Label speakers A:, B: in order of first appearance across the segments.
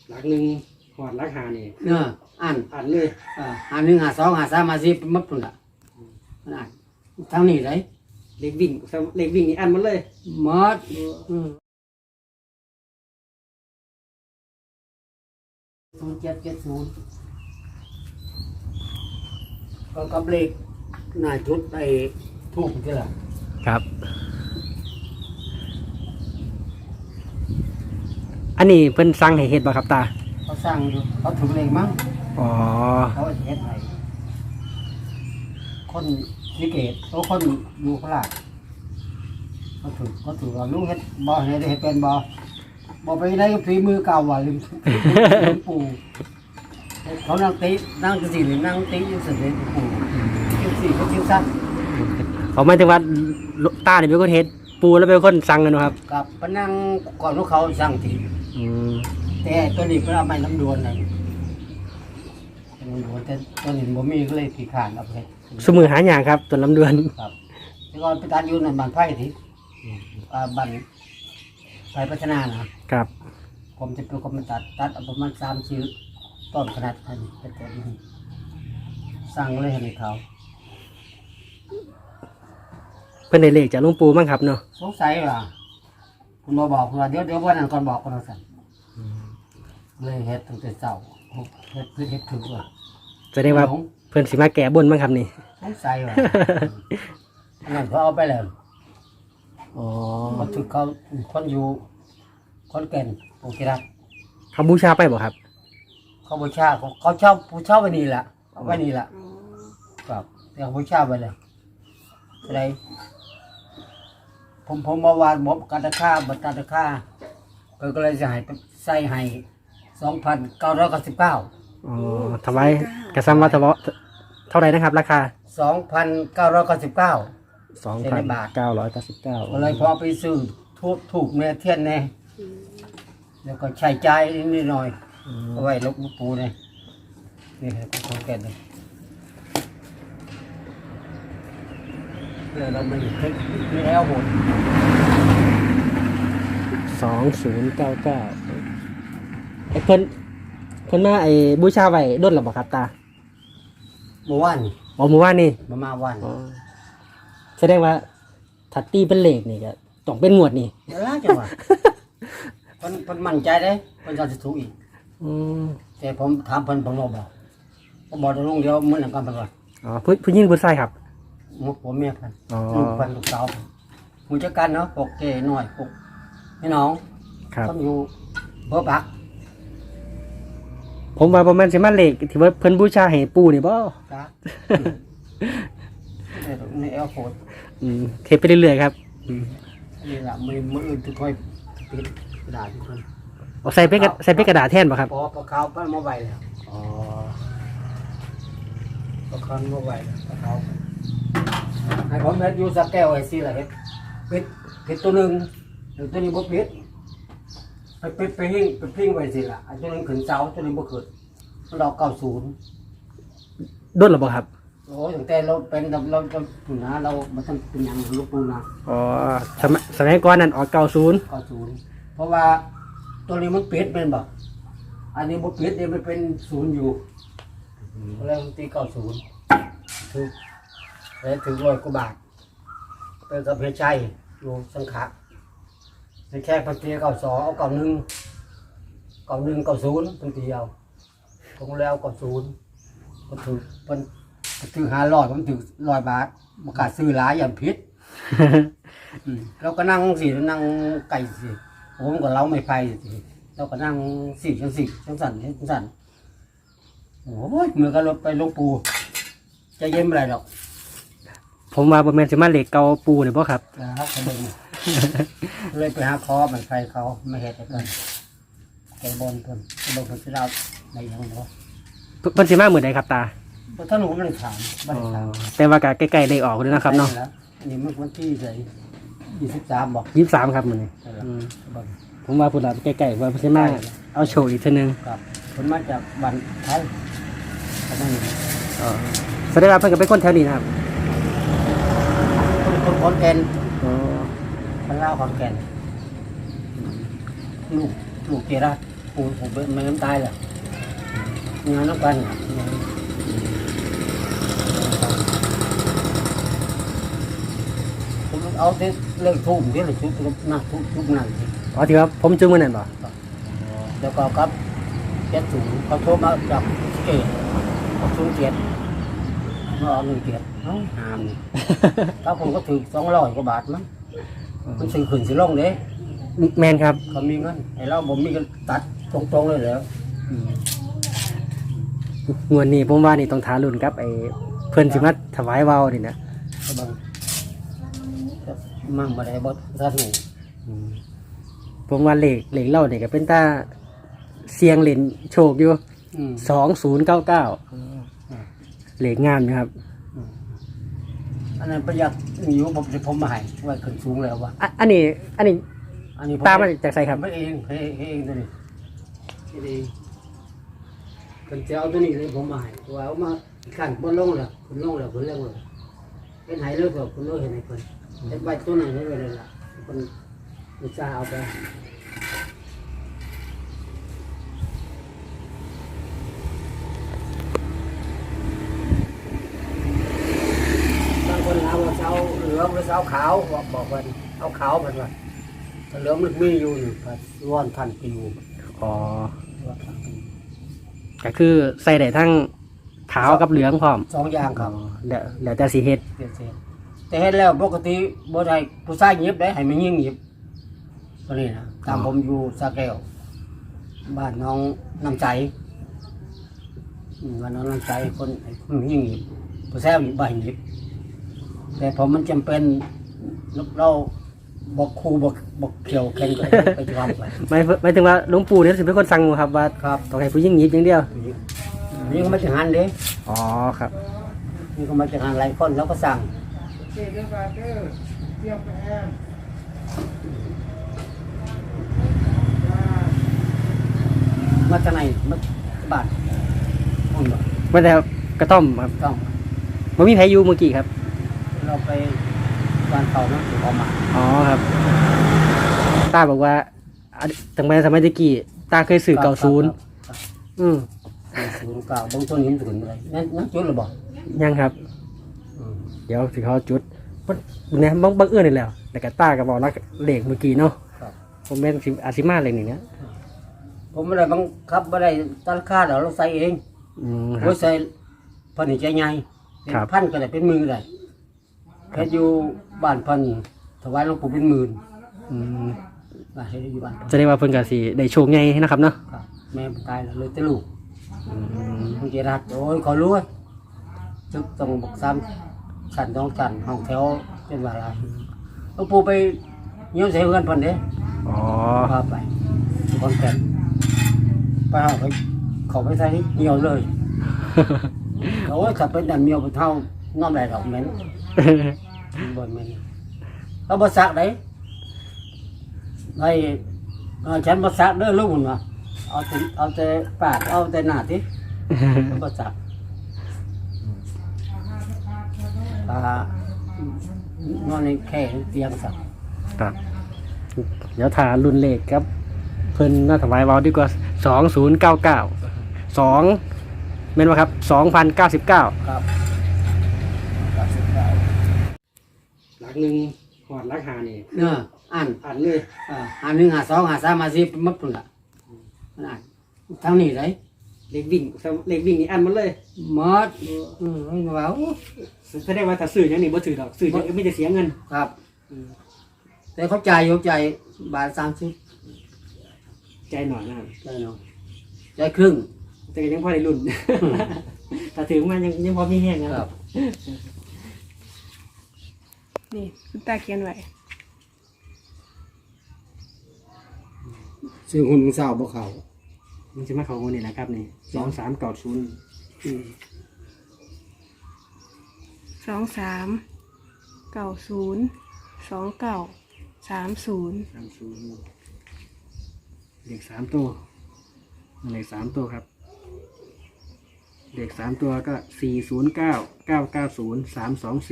A: หลักหนึ่งหอดหลักหานี่
B: อ่าน
A: เลย
B: อ่าน1 5 2 5 3 5 4มัดพุ่นล่ะมันอ่านทางนี้ได้
A: เลขวิ่งนี่อันมันเลย
B: หมด0770ก็กับเลขหน้าจุดไอ้ทูบนี่ล่ะ
C: ครับอันนี้เพิ่นสั่งให้เฮ็ดบ่ครับตา
B: เขาสร้างอยู่เขาถึงเลขมั้ง
C: อ๋อ
B: เขาเฮ็ดให้คนนิเกตโตคนอยู่โคราชเขาถือว่าลุงเฮ็ดบ่เฮ็ดเป็นบ่ไปได้ฝีมือเก่าว่ะลืมปู่เขานั่งตินั่งสินั่งติอยู่สิปู่สิเขาชื่อสั้น
C: เขาหมายถึงว่าตานี่เป็นคนเฮ็ดปูแล้วเป็นคนสั่งกันครับ
B: กับพนังก่อนลูกเขาสั่งทีแต่ตัวนี้เป็นเอาไม้น้ำดวนน่ะน้ำดวนแต่ตัวนี้บ่มีก็เลยขี้ขานเอาไป
C: สมือหาอย่างครับตัวลำดวน
B: ครับแต่ก่อนไปตัดอยู่นั่นบ้านไผ่ทีบ้านไผ่พัฒนานะครับผมจะเป็นคนมาตัดประมาณ3 ชิ้นต้นขนาดนี้แต่ตัวนี้สั่งเลยให้เขา
C: เพิ่นได้เลขจากหลวงปู่มั้งครับเนาะ
B: สงสัยว่าคุณมาบอกว่าเดี๋ยววันนั้นก่อนบอกคนเราสั่นเลยเฮ็ดตั้งแต่เช้าเฮ็ดถึงว่า
C: แสดงว่าเพิ่นสิมาแก้บนมั้งครับนี่
B: สงสัยว่างั้นเขาเอาไปแล้ว
C: อ๋อ
B: เขาถึงเขาคนอยู่คนแก่นโอเคครับ
C: เขาบูชาไปบ่ครับ
B: เขาบูชาเขาเช่าผู้เช่าไว้นี่แหละเอาไว้นี่แหละครับแต่บูชาไว้เลยอะไรผมมาวานมบการตะค่าบัตรการตะค่าก็เลยจะใส่ให้2,999
C: อ๋อทำไมกระซ้ำว่าเท่าไหร่นะครับราคา
B: 2,999
C: 2,999
B: ก็เลยพอไปซื้อถูกเนี่ยเทียนเนี่ยแล้วก็ใช้จ่ายนิดหน่อยเอาไว้ลบลูกปูเนี่ยนี่ครับของแก่เลยเราไม่เช็คไม่แล้วหมด
C: 2099ไอ้เพิ่นมาไอ้บูชาไว้ด้นหรือเปล่าครับตา
B: เมื่อวาน
C: อ๋อเมื่อวานนี่
B: มาวัน
C: แสดงว่าถัดตีเป็นเลขนี่ก็ต้องเป็นงวดนี่
B: เดี๋ยวล่ะจังหวะเพิ่นมั่นใจได้เพิ่นจะถูกอีกแต่ผมถามเพิ่นบอกบอกตรงเดียวเหมือนกันเพิ่นว่า
C: อ๋อผู้หญิงผู้ชายครับ
B: ผมเมียเพิ่นลูกเพิ่นลูกสาวผู้จัดการเนาะปกเก๋หน่อยปกพี่น้องต้องอยู่เบอร์ปัก
C: ผมว่าประมาณสิมาเลขที่ว่าเพิ่นบูชาให้ปู่นี่บ่
B: จ้ะในแอลโฟด
C: เทปไปเรื่อยๆครับ
B: นี่ล่ะมืออื่นค่อยปิดกระดาษทุกคน
C: เอาใส่เป็นกระดาษแทนบ่ครับ
B: พอเขาปั้นมาไว้แล้วอ๋อพอเขามาไว้แล้วเขาให้ผมเฮ็ดอยู่สักแก้วไอ้สิล่ะเฮ็ดปิดตัวนึงตัวนี้บ่ปิดไปพิ้งไว้สิล่ะอันตัวนึงขึ้นเสาตัวนี้บ่ขึ้นเรา90
C: ด้นหรือเปล่าครับ
B: โอ้ตั้งแต่เราเป็นเราจะปุ่นนะเรามันต้องเป็นอย่างลูกปูนะ
C: อ๋อสมัยก่อนนั้นออก90
B: เพราะว่าตัวนี้มันปิดเป็นบ่อันนี้บ่ปิดเนี่ยมันเป็น0อยู่แล้วตี90ถูกแล้วถึง100 กว่าบาทเป็นกับเพชรชัยอยู่สังขะในแค่พันเตีย92เอา91 90เป็นเดียวคงแล้ว90ก็ถือมันถือ500ผมถือ100 บาทประกาศซื้อหลายอย่างพิษเราก็นั่งสินั่งไก่สิผมก็เล้าไม่ไผ่สิเราก็นั่งจังสั่นโอ้ยเมื่อก็รถไปลงปูจะเย็นอะไรหรอก
C: ผมว่าประมาณสิมาเลขเก่าปูนี่บ่ครับ
B: ครับเลยไปหาคอมันไฟเขาไม่เห็นกันแกบนเพิ่นสิเราในยังบ่
C: เพิ่นสิมามื้อใดครับตา
B: ถ้าหนูมันถาม
C: แต่ว่าก็ใกล้ๆเลขออกแล้วนะครับเนาะ
B: อันนี้มันวันที่23บ่
C: 23ครับมื้อนี้ผมว่าพุ่นล่ะใกล้ๆว่าเพิ่นสิมาเอาโชว์อีกทีนึง
B: ครับเพิ่นมาจากบ้านไทย
C: แสดงว่าเพิ่นก็เป็นคนแถวนี้นะครับ
B: คนขอนแก่นคนลาวขอนแก่นลูกเจรัตปูผมเป็นไม่น้ำตายแหละงานน้ำกันผมเอาที่เลิกทุ่มที่เลยชุบนะทุกนั่น
C: อ๋อที่ว่าผมจึงมื้อนั้นบ่
B: แล้วก็ครับเจ็ดสูงเขาโทรมาจากเกตเขาสูงเกียรติมาเอา1 เกียรติเอ้าหามนี่ ถ้าผมก็ถือ200 กว่าบาทมั้งมันซื้อขึ้นสิลงเด้
C: แม่นครับ
B: เขามีเงินไอ้เราผมมีเงินตัดตรงๆเลยเหรอ
C: งวดนี้ผมว่านี่ต้องทารุ่นครับไอ้เพิ่นสิมาถวายเว้านี่นะ
B: ก็บังมั่งมาได้บ่ทันหนู
C: ผมว่าเลขเล่านี่ก็เป็นตาเสียงเล่นโชคอยู่ 2099เลขงามนะครับ
B: อันนั้นประหยัดอยู่ผมมาให้ไว้ขึ้นสูงแล้ววะ
C: อันนี้
B: อันนี้ผม
C: ตามมาจากไสครับ
B: ไม่เองเองตัวนี้เองคนจะเอาตัวนี้เลยผมมาให้ว่าเอามาขั้นบนลงแล้วคุณลงแล้วคุณเรื่องเลยเป็นไหเลิกแล้วคุณเลิกเห็นไหมคนแต่ใบตัวไหนเลยล่ะคนอุตส่าห์เอาไปบางคนเอาเสาเหลืองหรือเสาขาวบอกว่าเอาขาวมันว่าเหลืองมันมีอยู่นี่ก็ร้อนพันปีอยู่
C: อ๋อ
B: ร้อนพันปี
C: ก็คือใส่ได้ทั้งขาวกับเหลืองพร้อม
B: 2 อย่างครับ
C: แล้วแต่สิเฮ็ด
B: เปลี่ยนเสียแต่เห็นแล้วปกติบ่ได้ผู้ชายหยิบได้ให้มันยิ่งหยิบตัวนี้นะตามผมอยู่สาแก้วบ้านน้องน้ำใจบ้านน้องน้ำใจคนยิ่งหยิบผู้ชายหยิบบ่ให้หยิบแต่พอมันจำเป็นเราบอกครูบอกเกี่ยวแข่งกันไปทำไป
C: หมายถึงว่าหลวงปู่เนี่ยสิเป็นคนสั่งครับว่า
B: ครับ
C: ต้องให้ผู้หญิงหยิบอย่างเดียว
B: นี่ก็มาจากงานเด้
C: อ๋อครับ
B: นี่ก็มาจากงานหลายคนแล้วก็สั่งมาจากไหนมาบ้านห้องบ่
C: ว่าแต่กระท่อมครับ
B: ต้อง
C: บ่มีไผอยู่เมื่อกี้ครับ
B: เราไปบ้านเขานะออกมา
C: อ๋อครับตาบอกว่าตั้งแต่สมัยตะกี้ตาเคยสื่อ90อืม
B: 09บางต้นหินถึงอะไรนั่นจุดหรือบ่
C: ยังครับ เดี๋ยวสิเขาจุดเนี่ยบังเอิญนี่แหล้วแต่กตาก็บอกรักเลขเมื่อกี้เนาะ
B: ครับ
C: ผมเป็นสิอาซิมาเลขนี่นะ
B: ผมไม่ได้บังคับไม่ได้ตั้งค่าเราใส่เอง
C: ครั
B: เรา
C: บ
B: ใส่พันธุ์ใจใหญ่เป็น
C: ครับ
B: พันก็ได้เป็นหมื่นก็ได้แค่อยู่บ้านพันถวายหลวงปู่เป็นหมื่น
C: อืม
B: บ้านให้อยู่บ้านพัน
C: จะได้ว่าเพิ่นก็สิได้โชคใหญ่นะครับเนาะ
B: ครับแม่ตายแล้วเลยแต่ลูก
C: อืม
B: บางทีรักโอ้ยขอรู้จึกต้องบอกซ้ำสั่นต้องสั่นห้องแถวเป็นว่าอะไรหลวงปู่ไปเยี่ยมเสียเงินพันเด้
C: อ๋อ
B: พาไปคอนแก่นไปเอาไปเขาไปใส่เหี่ยวเลยเขาว่าขับเป็นดันเมียวไปเท่าน้อมไหลดอกเหม็นบนเหม็นเขาบสักได้ไอ้ฉันบสักเด้อลูกมันมาเอาแต่ปากเอาแต่หน้าที่บสักนอนในแค่เตียงสัก
C: ครับเดี๋ยวถารุ่นเลขครับ เพิ่นน่าถวายเว้าดีกว่า2099 2แม่นบ่ครับ2099
B: ครับ
A: หลักหนึ่งหอดหลักหานี่
B: เนื้ออ่าน
A: อ่านเลย
B: 1 5 2 5 3 5 4มัดปุ่นละอ่านทั้งนี้เลย
A: เลขวิ่งนี่อ่านหมันเลย
B: หมดไม่ว่า
A: แสดงว่าถ้าซื้ออย่างนี้บ่ถือดอกซื้ออย่างนี้ไม่ได้เสียเงิน
B: ครับ แต่เขาจ่ายยกใจบาท30
A: ใจหน่อยนะครับ
B: ใจเนาะใจครึ่ง
A: แต่ก็ยังพอได้รุ่น ถ้าถือมายังพอมีแห้งนะครับ
D: นี่คุณตาเขียนไว้
B: ซื้อหุ่นของสาวบ่เขา
C: มันจะมาเข้าคนนี้แหละครับนี่2390
D: 23902930
C: เลข3ตัวเลข3ตัวครับเลข3ตัวก็409990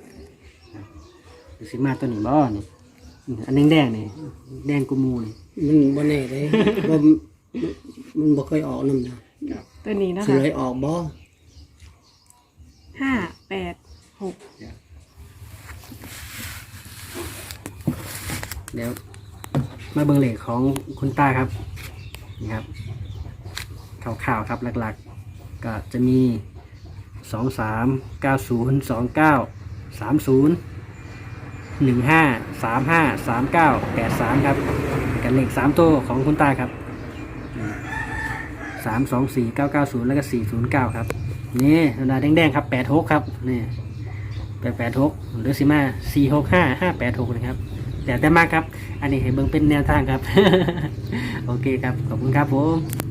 C: 324สิมาตัวนี้บ่นี่อันแดงๆนี่แดงกุมูนี่
B: มันบ่แน่เด้ บ่มันบ่เคยออกนำนะ
D: ตัวนี้นะ
B: สิ
D: คะ
B: เลยออกบ่
D: 586
C: เดี๋ยวมาเบิ่งเลขของคุณตาครับนี่ครับข่าวๆครับหลักๆ ก็จะมี2390293015353983ครับกันเลข3ตัวของคุณตาครับ324990แล้วก็409ครับนี่เวลาแดงๆครับ86ครับนี่886หรือสิมา465586นะครับแต่มากครับอันนี้ให้เบิ่งเป็นแนวทางครับ โอเคครับขอบคุณครับผม